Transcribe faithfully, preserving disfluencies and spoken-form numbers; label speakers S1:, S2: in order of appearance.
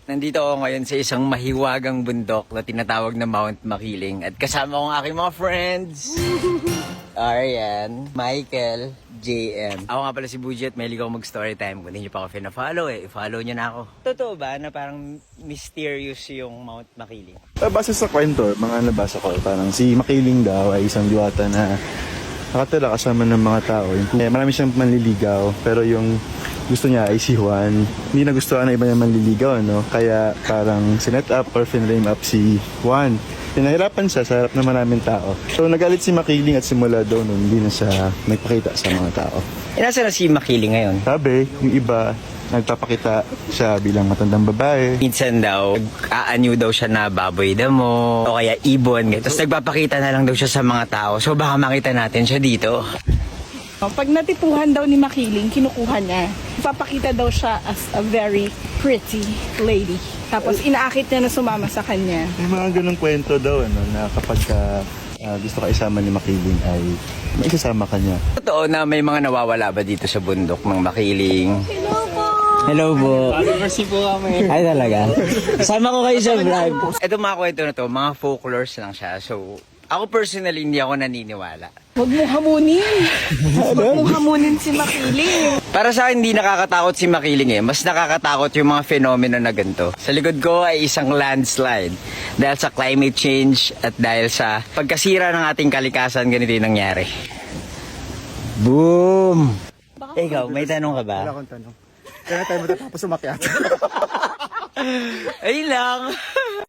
S1: Nandito ako ngayon sa isang mahiwagang bundok na tinatawag na Mount Makiling. At kasama ko ang aking mga friends. Arian, Michael, J M. Ako nga pala si Bujet, mahilig ako mag-story time. Kung hindi nyo pa ako fina-follow eh, follow nyo na ako. Totoo ba na parang mysterious yung Mount Makiling?
S2: Uh, base sa kwento, mga nabasa ko, parang si Makiling daw ay isang diwata na nakatira kasama ng mga tao. Eh, marami siyang manliligaw, pero yung gusto niya ay si Juan. Hindi nagustuhan ng iba niya manliligaw, no? Kaya parang sinet up or finrame up si Juan. Pinahirapan siya sa harap ng maraming tao. So nagalit si Makiling at simula daw nun, hindi na siya nagpakita sa mga tao.
S1: E nasa na si Makiling ngayon?
S2: Sabi, yung iba, nagpapakita siya bilang matandang babae.
S1: Minsan daw, aanyo daw siya na baboy damo o kaya ibon. Tapos nagpapakita na lang daw siya sa mga tao. So baka makita natin siya dito.
S3: Pag natipuhan daw ni Makiling, kinukuha niya. Ipapakita daw siya as a very pretty lady. Tapos inaakit niya na sumama sa kanya.
S2: May mga ganong kwento daw, ano, na kapag ka, uh, gusto ka isama ni Makiling ay may isasama ka niya.
S1: Totoo na may mga nawawala ba dito sa bundok ng Makiling? Hello po! Hello po!
S4: Mercy po kami.
S1: Ay talaga? Sama ko kayo sa vlog. Ito mga kwento na to, mga folklores lang siya. So, ako personally hindi ako naniniwala.
S3: Huwag mo hamunin. Huwag mo hamunin si Makiling.
S1: Para sa akin, hindi nakakatakot si Makiling eh. Mas nakakatakot yung mga fenomeno na ganito. Sa likod ko ay isang landslide. Dahil sa climate change at dahil sa pagkasira ng ating kalikasan, ganito yung nangyari. Boom! Ikaw, may tanong ka ba?
S2: Wala akong tanong. Kaya tayo matatapos umakyat.
S1: Ayun lang.